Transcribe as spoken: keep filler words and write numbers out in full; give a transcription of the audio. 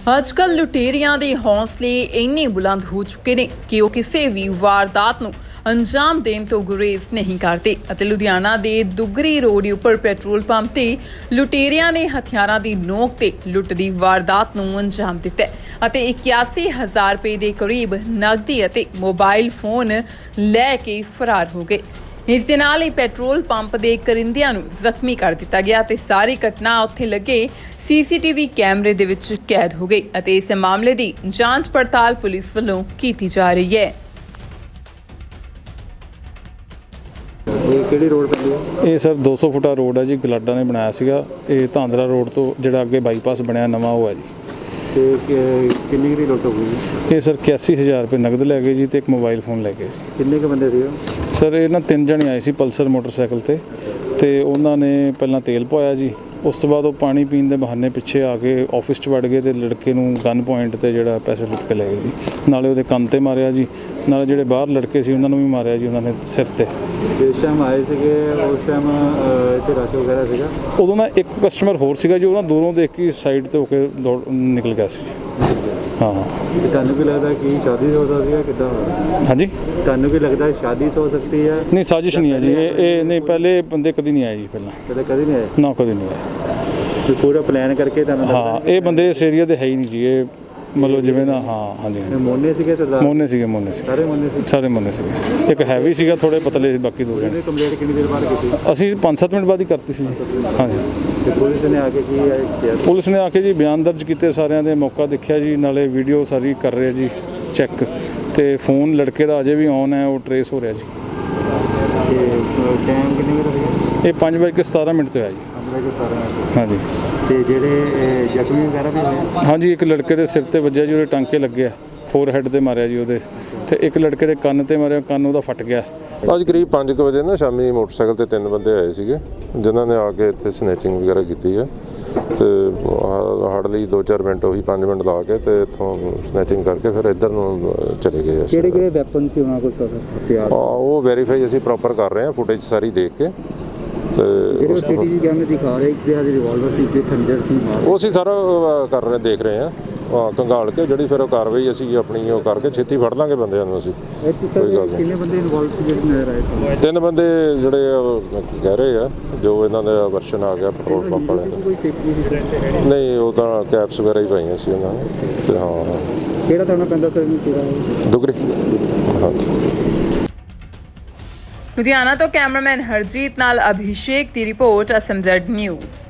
ਅੱਜਕੱਲ ਲੁਟੇਰਿਆਂ ਦੇ ਹੌਸਲੇ ਇੰਨੇ ਬੁਲੰਦ ਹੋ ਚੁੱਕੇ ਨੇ ਕਿ ਉਹ ਕਿਸੇ ਵੀ ਵਾਰਦਾਤ ਨੂੰ ਅੰਜਾਮ ਦੇਣ ਤੋਂ ਗੁਰੇਜ਼ ਨਹੀਂ ਕਰਦੇ ਅਤੇ ਲੁਧਿਆਣਾ ਦੇ ਦੁੱਗਰੀ ਰੋਡ ਉੱਪਰ ਪੈਟਰੋਲ ਪੰਪ ਤੇ ਲੁਟੇਰਿਆਂ ਨੇ ਹਥਿਆਰਾਂ ਦੀ ਨੋਕ ਤੇ ਲੁੱਟ ਦੀ ਵਾਰਦਾਤ ਨੂੰ ਅੰਜਾਮ ਦਿੱਤਾ ਅਤੇ ਇਕਿਆਸੀ ਹਜ਼ਾਰ ਰੁਪਏ ਦੇ ਕਰੀਬ ਨਕਦੀ ਅਤੇ ਮੋਬਾਈਲ ਫੋਨ ਲੈ ਕੇ ਫਰਾਰ ਹੋ ਗਏ। ਇਸ ਦੇ ਨਾਲ ਹੀ ਪੈਟਰੋਲ ਪੰਪ ਦੇ ਕਰਿੰਦਿਆਂ ਨੂੰ ਜ਼ਖਮੀ ਕਰ ਦਿੱਤਾ ਗਿਆ ਤੇ ਸਾਰੀ ਘਟਨਾ ਉੱਥੇ ਲੱਗੇ ਸੀਸੀਟੀਵੀ ਕੈਮਰੇ ਦੇ ਵਿੱਚ ਕੈਦ ਹੋ ਗਈ ਅਤੇ ਇਸ ਮਾਮਲੇ ਦੀ ਜਾਂਚ ਪੜਤਾਲ ਪੁਲਿਸ ਵੱਲੋਂ ਕੀਤੀ ਜਾ ਰਹੀ ਹੈ। ਇਹ ਕਿਹੜੀ ਰੋਡ ਪੈਂਦੀ ਹੈ? ਇਹ ਸਰ ਦੋ ਸੌ ਫੁੱਟਾ ਰੋਡ ਹੈ ਜੀ, ਗਲਾਡਾ ਨੇ ਬਣਾਇਆ ਸੀਗਾ। ਇਹ ਧਾਂਦਰਾ ਰੋਡ ਤੋਂ ਜਿਹੜਾ ਅੱਗੇ ਬਾਈਪਾਸ ਬਣਿਆ ਨਵਾਂ ਉਹ ਹੈ ਜੀ। ਤੇ ਕਿੰਨੀ ਦੀ ਲੁੱਟ ਹੋ ਗਈ? ਇਹ ਸਰ ਇਕਿਆਸੀ ਹਜ਼ਾਰ ਰੁਪਏ ਨਗਦ ਲੈ ਗਏ ਜੀ ਤੇ ਇੱਕ ਮੋਬਾਈਲ ਫੋਨ ਲੈ ਗਏ। ਕਿੰਨੇ ਕੁ ਬੰਦੇ ਸੀ ਉਹ? ਸਰ ਇਹ ਨਾ ਤਿੰਨ ਜਣੇ ਆਏ ਸੀ ਪਲਸਰ ਮੋਟਰਸਾਈਕਲ ਤੇ ਤੇ ਉਹਨਾਂ ਨੇ ਪਹਿਲਾਂ ਤੇਲ ਪਵਾਇਆ ਜੀ। ਉਸ ਤੋਂ ਬਾਅਦ ਉਹ ਪਾਣੀ ਪੀਣ ਦੇ ਬਹਾਨੇ ਪਿੱਛੇ ਆ ਕੇ ਆਫਿਸ 'ਚ ਵੜ ਗਏ ਤੇ ਲੜਕੇ ਨੂੰ ਗਨ ਪੁਆਇੰਟ ਤੇ ਜਿਹੜਾ ਪੈਸੇ ਲੁੱਟ ਕੇ ਲੈ ਗਏ ਜੀ। ਨਾਲੇ ਉਹਦੇ ਕੰਨ ਤੇ ਮਾਰਿਆ ਜੀ, ਨਾਲੇ ਜਿਹੜੇ ਬਾਹਰ ਲੜਕੇ ਸੀ ਉਹਨਾਂ ਨੂੰ ਵੀ ਮਾਰਿਆ ਜੀ ਉਹਨਾਂ ਨੇ ਸਿਰ ਤੇ। ਜਿਸ ਟਾਈਮ ਆਏ ਸੀਗੇ ਉਸ ਟਾਈਮ ਇੱਥੇ ਰਸ਼ ਵਗੈਰਾ ਸੀਗਾ? ਉਦੋਂ ਨਾ ਇੱਕ ਕਸਟਮਰ ਹੋਰ ਸੀਗਾ ਜੀ, ਉਹ ਨਾ ਦੂਰੋਂ ਦੇਖ ਕੇ ਸਾਈਡ ਤੇ ਹੋ ਕੇ ਦੌੜ ਨਿਕਲ ਗਿਆ ਸੀ। ਹਾਂ ਤੇ ਤੁਹਾਨੂੰ ਕੀ ਲੱਗਦਾ ਕਿ ਸ਼ਾਦੀ ਹੋ ਸਕਦੀ ਹੈ ਕਿੱਦਾਂ ਹੋਇਆ? ਹਾਂਜੀ, ਤੁਹਾਨੂੰ ਕੀ ਲੱਗਦਾ ਸ਼ਾਦੀ ਹੋ ਸਕਦੀ ਹੈ? ਨਹੀਂ ਸਾਜ਼ਿਸ਼ ਨਹੀਂ ਹੈ ਜੀ। ਇਹ ਇਹ ਨਹੀਂ, ਪਹਿਲੇ ਬੰਦੇ ਕਦੀ ਨਹੀਂ ਆਏ ਜੀ, ਪਹਿਲਾਂ ਕਦੇ ਕਦੇ ਨਹੀਂ ਆਏ ਨਾ, ਕਦੀ ਨਹੀਂ ਆਏ। ਤੇ ਪੂਰਾ ਪਲਾਨ ਕਰਕੇ ਤੁਹਾਨੂੰ ਹਾਂ, ਇਹ ਬੰਦੇ ਇਸ ਏਰੀਆ ਦੇ ਹੈ ਹੀ ਨਹੀਂ ਜੀ। ਇਹ ਮਤਲਬ ਜਿਵੇਂ ਨਾ, ਹਾਂ ਹਾਂਜੀ ਮੋਨੇ ਸੀਗੇ ਸਰਦਾਰ? ਮੋਨੇ ਸੀਗੇ, ਮੋਨੇ ਸੀ, ਸਾਰੇ ਮੋਨੇ ਸੀ? ਸਾਰੇ ਮੋਨੇ ਸੀਗੇ। ਇੱਕ ਹੈਵੀ ਸੀਗਾ, ਥੋੜੇ ਪਤਲੇ ਸੀ, ਬਾਕੀ ਦੋ ਜਣੇ। ਕੰਪਲੇਂਟ ਕਿੰਨੀ ਦੇਰ ਬਾਅਦ ਕੀਤੀ? ਅਸੀਂ ਪੰਜ ਸੱਤ ਮਿੰਟ ਬਾਅਦ ਹੀ ਕਰਤੀ ਸੀ ਜੀ। ਹਾਂਜੀ, ਤੇ ਪੁਲਿਸ ਨੇ ਆ ਕੇ ਕੀ ਕਿਹਾ? ਪੁਲਿਸ ਨੇ ਆ ਕੇ ਜੀ ਬਿਆਨ ਦਰਜ ਕੀਤੇ ਸਾਰਿਆਂ ਦੇ, ਮੌਕਾ ਦੇਖਿਆ ਜੀ, ਨਾਲੇ ਵੀਡੀਓ ਸਾਰੀ ਕਰ ਰਹੇ ਜੀ ਚੈੱਕ, ਤੇ ਫੋਨ ਲੜਕੇ ਦਾ ਅਜੇ ਵੀ ਔਨ ਹੈ, ਉਹ ਟਰੇਸ ਹੋ ਰਿਹਾ ਜੀ। ਤੇ ਟਾਈਮ ਕਿੰਨੇ ਵਜੇ ਹੋਇਆ? ਇਹ ਪੰਜ ਵਜੇ ਕੇ ਸਤਾਰਾਂ ਮਿੰਟ ਤੇ ਹੋਇਆ ਜੀ। ਹਾਂਜੀ। ਤੇ ਜਿਹੜੇ ਜ਼ਖਮੀ ਵਗੈਰਾ ਵੀ ਹੋਏ? ਹਾਂਜੀ, ਇੱਕ ਲੜਕੇ ਦੇ ਸਿਰ ਤੇ ਵੱਜਿਆ ਜੀ, ਉਹਦੇ ਟਾਂਕੇ ਲੱਗੇ ਆ, ਫੋਰ ਹੈਡ ਤੇ ਮਾਰਿਆ ਜੀ ਉਹਦੇ, ਤੇ ਇੱਕ ਲੜਕੇ ਦੇ ਕੰਨ ਤੇ ਮਾਰਿਆ, ਕੰਨ ਉਹਦਾ ਫਟ ਗਿਆ। ਅੱਜ ਕਰੀਬ ਪੰਜ ਕੁ ਵਜੇ ਨਾ ਸ਼ਾਮੀ ਮੋਟਰਸਾਈਕਲ ਤੇ ਤਿੰਨ ਬੰਦੇ ਆਏ ਸੀਗੇ ਜਿਨ੍ਹਾਂ ਨੇ ਆ ਕੇ ਇੱਥੇ ਸਨੈਚਿੰਗ ਵਗੈਰਾ ਕੀਤੀ ਹੈ ਤੇ ਹੜ ਲਈ ਦੋ ਚਾਰ ਮਿੰਟ ਉਹੀ ਪੰਜ ਮਿੰਟ ਲਾ ਕੇ ਤੇ ਇੱਥੋਂ ਸਨੈਚਿੰਗ ਕਰਕੇ ਫਿਰ ਇੱਧਰ ਨੂੰ ਚਲੇ ਗਏ। ਕਿਹੜੇ ਕਿਹੜੇ ਵੈਪਨ ਸੀ ਉਹਨਾਂ ਕੋਲ ਸਰ ਹਥਿਆਰ? ਉਹ ਵੈਰੀਫਾਈ ਅਸੀਂ ਪ੍ਰੋਪਰ ਕਰ ਰਹੇ ਹਾਂ, ਫੁਟੇਜ ਸਾਰੀ ਦੇਖ ਕੇ। ਤੇ ਜਿਹੜੇ ਸੀਸੀਟੀਵੀ ਕੈਮਰੇ ਦਿਖਾ ਰਹੇ ਇੱਕ ਦੇ ਹੱਥ ਰਿਵਾਲਵਰ ਸੀ, ਇੱਕ ਖੰਜਰ ਸੀ। ਉਹ ਅਸੀਂ ਸਾਰਾ ਕਰ ਰਹੇ ਦੇਖ ਰਹੇ ਹਾਂ, ਕੰਗਾਲ ਕੇ ਜਿਹੜੀ ਫਿਰ ਉਹ ਕਾਰਵਾਈ ਅਸੀਂ ਆਪਣੀ ਉਹ ਕਰਕੇ ਛੇਤੀ ਫੜ ਲਾਂਗੇ ਬੰਦਿਆਂ ਨੂੰ ਅਸੀਂ। ਕਿੰਨੇ ਬੰਦੇ ਇਨਵੋਲਵ ਸੀ ਜਿਹੜੇ ਨਜ਼ਰ ਆਏ? ਤਿੰਨ ਬੰਦੇ ਜਿਹੜੇ ਕਹਿ ਰਹੇ ਆ, ਜੋ ਇਹਨਾਂ ਦਾ ਵਰਸ਼ਨ ਆ ਗਿਆ ਪੈਟਰੋਲ ਪੰਪ ਵਾਲਿਆਂ ਦਾ। ਨਹੀਂ, ਉਹ ਤਾਂ ਕੈਪਸ ਵਗੈਰਾ ਹੀ ਪਾਈਆਂ ਸੀ ਉਹਨਾਂ ਨੇ। ਤੇ ਹਾਂ, ਕਿਹੜਾ ਥਾਣਾ ਪੈਂਦਾ ਸਰ ਇਹਨੂੰ ਪੂਰਾ? ਦੁਗਰੀ। ਹਾਂਜੀ। ਲੁਧਿਆਣਾ ਤੋਂ ਕੈਮਰਾਮੈਨ ਹਰਜੀਤ ਨਾਲ ਅਭਿਸ਼ੇਕ ਦੀ report, S M Z news.